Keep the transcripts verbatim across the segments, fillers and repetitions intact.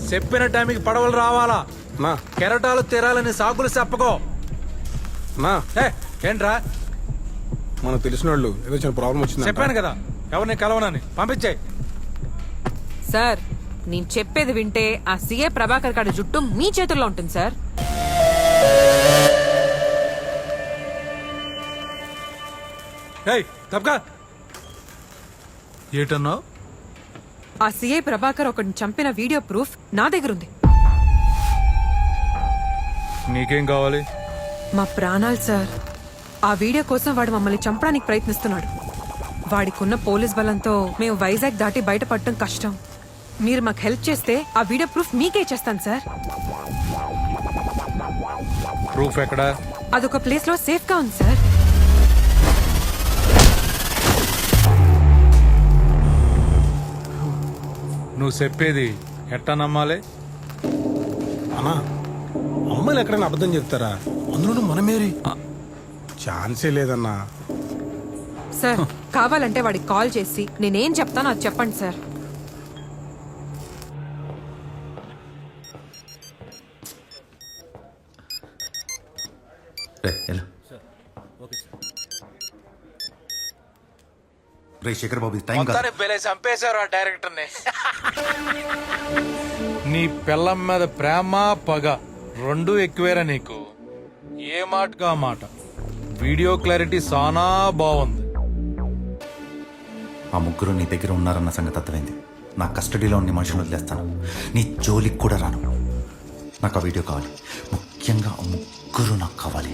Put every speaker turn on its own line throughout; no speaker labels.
చెప్పిన టైంకి పడవలు రావాలా
నా
కెరటాలు తీరాలని సాకులు చెప్పకో.
నా
ఏ, ఏంట్రా
మనకు తెలిసిన వాళ్ళు ఏదో చిన్న ప్రాబ్లం వచ్చింది.
చెప్పాను కదా ఎవరిని కలవనని, పంపించాయి.
సార్ నేను చెప్పేది వింటే ఆ సీఏ ప్రభాకర్ గారి జుట్టు మీ చేతుల్లో ఉంటుంది సార్.
ఏయ్ తప్పకా ఏటన్నావు?
ఆ సీఐ ప్రభాకర్ ఒకరిని చంపిన వీడియో ప్రూఫ్ నా దగ్గర ఉంది.
నీకేం కావాలి?
మా ప్రాణాలు సార్. ఆ వీడియో కోసం వాడు మమ్మల్ని చంపడానికి ప్రయత్నిస్తున్నాడు. వాడికున్న పోలీస్ బలంతో మేము వైజాగ్ దాటి బయటపడటం కష్టం. మీరు మాకు హెల్ప్ చేస్తే ఆ వీడియో ప్రూఫ్ మీకే ఇచ్చేస్తాను సార్.
ప్రూఫ్ ఎక్కడా?
అదొక ప్లేస్ లో సేఫ్ గా ఉంది సార్.
నువ్వు చెప్పేది ఎట్టా నమ్మాలి?
అన్నా అమ్మాయిలు ఎక్కడైనా అబద్ధం చెప్తారా? అందులోనూ మనమేరి ఛాన్సే లేదన్నా.
సార్ కావాలంటే వాడికి కాల్ చేసి నేనేం చెప్తానో అది చెప్పండి సార్.
శేఖర్ బాబు టైం
చంపేశారు ఆ డైరెక్టర్ ని. నీ పిల్లం మీద ప్రేమ పగ రెండు ఎక్కువేరా నీకు. ఏ మాటగా మాట. వీడియో క్లారిటీ సానా బాగుంది.
ఆ ముగ్గురు నీ దగ్గర ఉన్నారన్న సంగతి అర్థమైంది. నా కస్టడీలో ఉన్న మనుషులు వదిలేస్తాను. నీ జోలికి కూడా రాను. నాకు ఆ వీడియో కావాలి. ముఖ్యంగా ఆ ముగ్గురు నాకు కావాలి.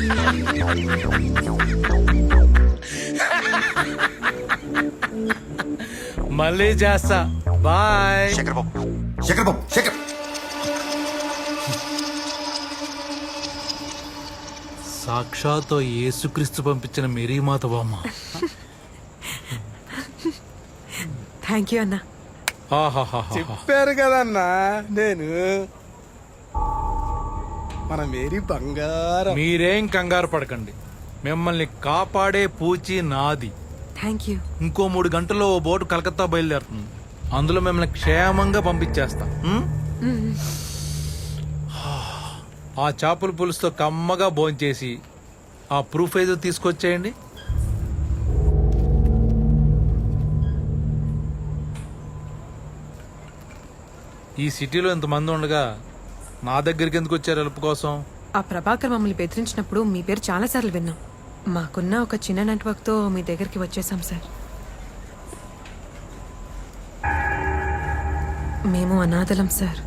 మళ్ళీ చేస్తా. బాయ్.
శేఖర్ బాబు శేఖర్ బాబు శేఖర్
సాక్షాత్ యేసుక్రీస్తు పంపించిన మేరీమాత బామ్మ.
థ్యాంక్ యూ అన్నా.
చెప్పారు కదన్నా నేను మన మేరీ బంగారం.
మీరేం కంగారు పడకండి. మిమ్మల్ని కాపాడే పూచి నాది.
Thank you.
ఇంకో మూడు గంటల్లో ఓ బోటు కలకత్తా బయలుదేరుతుంది. అందులో మిమ్మల్ని క్షేమంగా పంపించేస్తా. ఉం? ఆ చేపల పులుసుతో కమ్మగా భోంచేసి ఆ ప్రూఫ్ ఏదో తీసుకొచ్చేయండి. ఈ సిటీలో ఇంతమంది ఉండగా నా దగ్గరికి ఎందుకు వచ్చారు హెల్ప్ కోసం?
ఆ ప్రభాకర్ మమ్మల్ని బెదిరించినప్పుడు మీ పేరు చాలా సార్లు విన్నాం. మాకున్న ఒక చిన్న నెట్వర్క్ తో మీ దగ్గరికి వచ్చేసాం సార్. మేము అనాథలం సార్.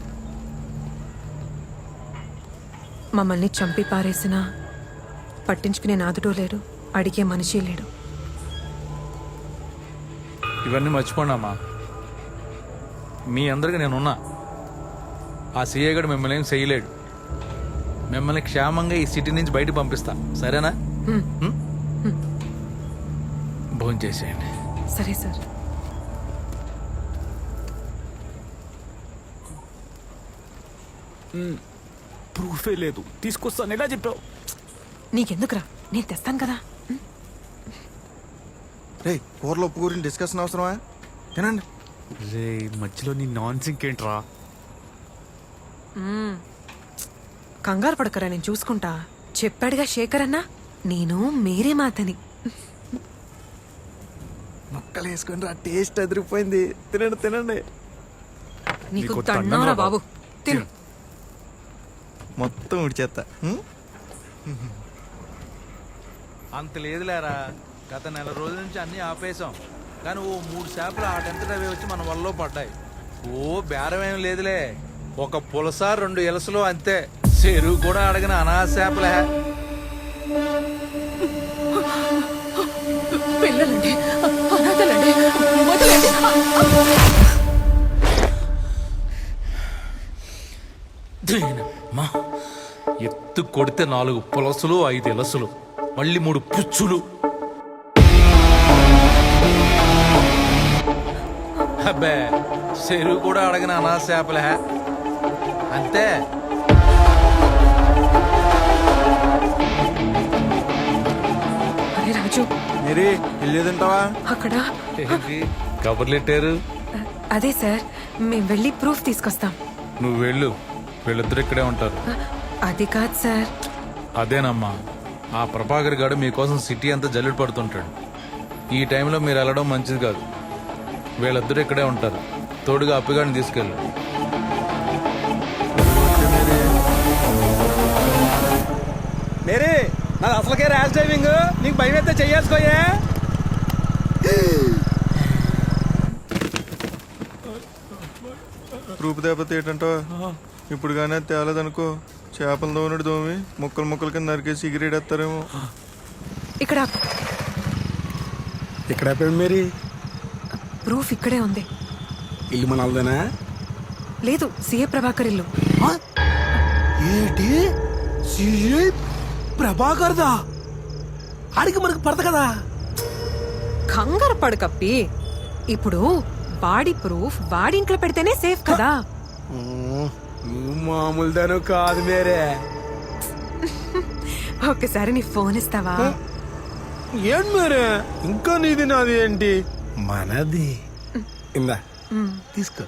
మమ్మల్ని చంపి పారేసినా పట్టించుకునే నాదుడు లేడు, అడిగే మనిషి లేడు.
ఇవన్నీ మర్చిపోండమ్మా. మీ అందరికి నేనున్నా. ఆ సీఏ గడు మిమ్మల్ని ఏం చేయలేడు. మిమ్మల్ని క్షేమంగా ఈ సిటీ నుంచి బయట పంపిస్తా. సరేనా? భోజనం చేసేయండి.
సరే సార్.
ప్రూఫే లేదు, తీసుకొస్తాను ఎలా చెప్పావు?
నీకెందుకురా, నేను తెస్తాను కదా.
రే కూరలో ఉప్పు గురించి డిస్కషన్ అవసరమా? తినండి.
రే మధ్యలో నీ నాన్ సింక్ ఏంట్రా?
కంగారు పడకరా, నేను చూసుకుంటా. చెప్పాడుగా శేఖర్ అన్న, నేను మేరీ మాతని.
ముక్కలు వేసుకుని రా, టేస్ట్ అదిరిపోయింది. తినండి తినండి.
నీకు దండంరా బాబు, తిను.
మొత్తం ఉడిచేత్తా.
అంత లేదులేరా. గత నెల రోజుల నుంచి అన్ని ఆపేశాం. కానీ ఓ మూడు చేపలు ఆటంతట అవి వచ్చి మన వల్ల పడ్డాయి. ఓ బేరం ఏం లేదులే. ఒక పులస రెండు ఎలసలు అంతే. చెరువు కూడా అడగిన అనాథ చేపలే.
పిల్లలండి, అనాథలండి, వదిలేండి.
దీనమ్మా, ఎత్తు కొడితే నాలుగు పులసలు, ఐదు ఎలసలు, మళ్ళీ మూడు పుచ్చులు. అబ్బే, చెరువు కూడా అడగిన అనాథ చేపలే అంతే.
అరే రాజు,
మేరీ వెళ్ళేదంటావా?
అక్కడ
ఏంటి కబుర్లెట్టారు?
అదే సార్ మేము వెళ్ళి ప్రూఫ్ తీసుకొస్తాం.
నువ్వు వెళ్ళు, వీళ్ళిద్దరు ఇక్కడే ఉంటారు.
అది కాదు సార్.
అదేనమ్మా, ఆ ప్రభాకర్ గారు మీకోసం సిటీ అంతా జల్లుడు పడుతుంటాడు. ఈ టైంలో మీరు వెళ్ళడం మంచిది కాదు. వీళ్ళిద్దరు ఇక్కడే ఉంటారు. తోడుగా అప్పిగాడిని తీసుకెళ్ళు.
మేరీ నాది అసలుకే ర్యాష్ డ్రైవింగ్, నీకు భయం అయితే చెయ్యాల్సుకోయే.
రూపు దేపత ఏంటంటో ఇప్పుడు కానీ తేలేదనుకో, చేపలు దోమనుడు దోమి ముక్కలు ముక్కలు కింద నరికేసి ఎగిరేడేస్తారేమో.
ఇక్కడ
ఇక్కడ అయిపోయింది మేరీ.
ప్రూఫ్ ఇక్కడే ఉంది.
ఇల్లు మన వాళ్ళదేనా?
లేదు, సీఏ ప్రభాకర్ ఇల్లు.
ఏంటి సిఐ ప్రభాకర్దా? ఆడికి మనకు పడత కదా.
కంగారు పడు కప్పి. ఇప్పుడు వాడి ప్రూఫ్ వాడి ఇంట్లో పెడితేనే సేఫ్ కదా.
నువ్వు మామూలు దాను కాదు మేరే.
ఒక్కసారి నీ ఫోన్ ఇస్తావా?
ఏంటి మేరే, ఇంకా నీది నాది ఏంటి? మనది. ఇందా తీసుకో.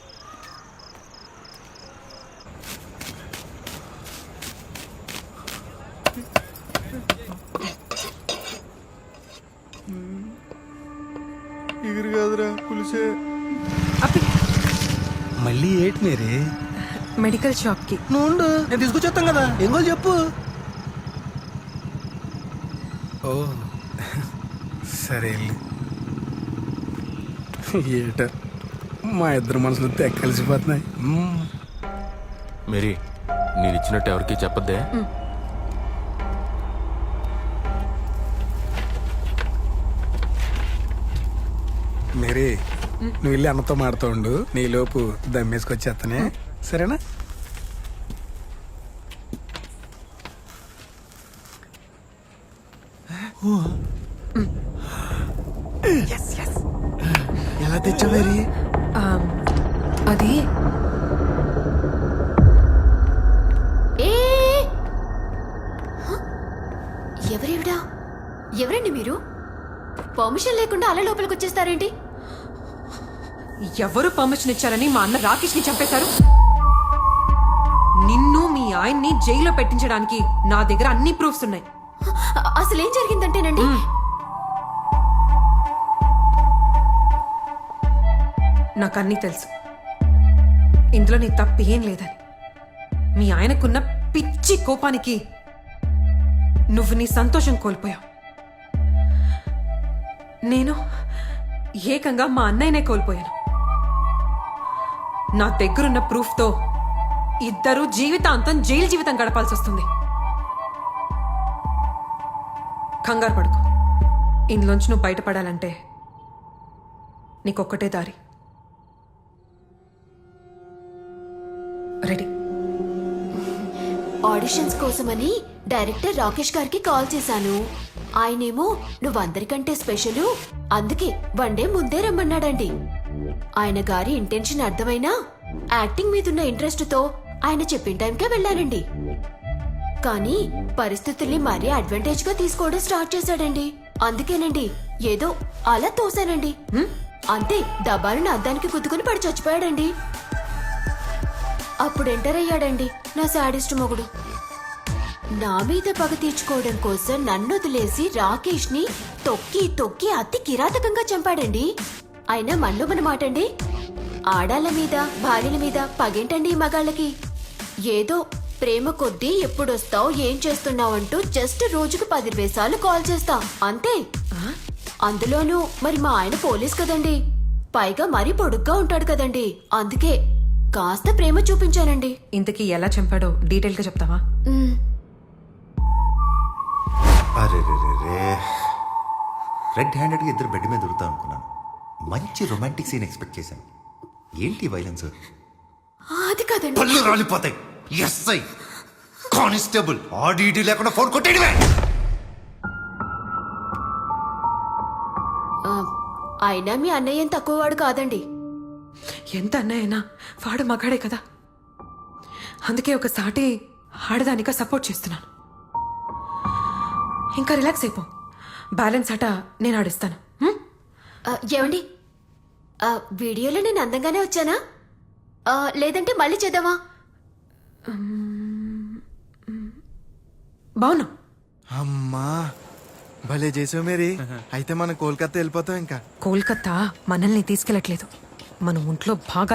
ఎగిరి కాదురా పులిసే.
అప్పి
మళ్ళీ ఏంటి మేరే?
మెడికల్ షాప్ కి.
నువ్వు ఉండు, నేను తీసుకొచ్చేస్తాం కదా. ఏం కావాలి చెప్పు.
ఓ సరే వెళ్ళు. ఏట మా ఇద్దరు మనసులు తెగ కలిసిపోతున్నాయి. మ్మ్.
మేరీ, నేను ఇచ్చినట్టు ఎవరికి చెప్పద్దే.
మేరీ, నువ్వు వెళ్ళి అన్నతో మాడుతూ ఉండు. నీ లోపు దమ్మేసుకొచ్చేస్తానే, సరేనా?
ఎలా తెచ్చా మేరీ?
ఆమ్, అది
ఏ ఎవరేవిడా? ఎవరండి మీరు? పర్మిషన్ లేకుండా అలా లోపలికి వచ్చేస్తారేంటి?
ఎవరు పర్మిషన్ ఇచ్చారని మా అన్న రాకేష్ ని చంపేశారు? నిన్ను మీ ఆయన్ని జైల్లో పెట్టించడానికి నా దగ్గర అన్ని ప్రూఫ్స్ ఉన్నాయి.
అ- అసలు ఏం జరిగిందంటేనండి,
నాకు అన్నీ తెలుసు. ఇందులో నీ తప్పు ఏం లేదని. మీ ఆయనకున్న పిచ్చి కోపానికి నువ్వు నీ సంతోషం కోల్పోయావు. నేను ఏకంగా మా అన్నయ్యనే కోల్పోయాను. నా దగ్గరున్న ప్రూఫ్తో ఇద్దరు జీవితాంతం జైలు జీవితం గడపాల్సి వస్తుంది. కంగారు పడుకో. ఇందులోంచి నువ్వు బయటపడాలంటే నీకొక్కటే దారి. రెడీ?
ఆడిషన్స్ కోసమని డైరెక్టర్ రాకేష్ గారికి కాల్ చేశాను. ఆయనేమో నువ్వందరికంటే స్పెషల్, అందుకే వన్ డే ముందే రమ్మన్నాడండి. ఆయన గారి ఇంటెన్షన్ అర్థమైనా యాక్టింగ్ మీదున్న ఇంట్రెస్ట్ తో ఆయన చెప్పిన టైంకే వెళ్ళానండి. కానీ పరిస్థితుల్ని మరీ అడ్వాంటేజ్ గా తీసుకోవడం స్టార్ట్ చేశాడండి. అందుకేనండి ఏదో అలా తోసానండి. హ్మ్? అంతే, దబాలను అద్దానికి గుద్దుకుని పడి చచ్చిపోయాడండి. అప్పుడు ఎంటర్ అయ్యాడండి నా శాడిస్ట్ మొగుడు. నా మీద పగ తీర్చుకోవడం కోసం నన్ను వదిలేసి రాకేష్ ని తొక్కి తొక్కి అతి కిరాతకంగా చంపాడండి. అయినా మన్ను మన మాటండి, ఆడాళ్ళ మీద భార్యల మీద పగేంటండి ఈ మగాళ్ళకి? ఏదో ప్రేమ కొద్దీ ఎప్పుడొస్తావు, ఏం చేస్తున్నావు అంటూ జస్ట్ రోజుకు పది సార్లు కాల్ చేస్తా అంతే. అందులోనూ మరి మా ఆయన పోలీస్ కదండి, పైగా మరీ పొడుగ్గా ఉంటాడు కదండి. అందుకే కాస్త ప్రేమ చూపించానండి.
ఇంతకీ ఎలా చంపాడో డీటెయిల్ గా చెప్తావా?
మ్,
అరే రే రే రే రెడ్ హ్యాండెడ్గా ఇద్దరు బెడ్ మీద దొరుకుతా అనుకున్నాను. మంచి రొమాంటిక్ సీన్ ఎక్స్పెక్ట్ చేశాను. ఏంటి వైలెన్స్?
అది కాదండి.
పళ్ళు రాలిపోతాయి. ఎస్ఐ కానిస్టేబుల్ ఆడిటీ లేకుండా ఫోన్ కొట్టేయడమే.
ఆ, అయినా మీ అన్నయ్య ఏం తక్కువవాడు కాదండి.
ఎంత అన్నయ్యనా వాడు మగాడే కదా. అందుకే ఒక సాటి ఆడదానిగా సపోర్ట్ చేస్తున్నాను. ఇంకా రిలాక్స్ అయిపో. బ్యాలెన్స్ ఆట నేను ఆడిస్తాను. హ్మ్?
ఆ, ఏమండి ఆ, వీడియోలో నేను అందంగానే వచ్చానా ఆ, లేదంటే మళ్ళీ చేద్దామా?
బావునా
అమ్మా భలే చేసావు మేరీ. అయితే మనం కోల్కతా వెళ్ళిపోతాం ఇంకా.
కోల్కతా మనల్ని తీసుకెళ్ళట్లేదు. మన ఒంట్లో బాగా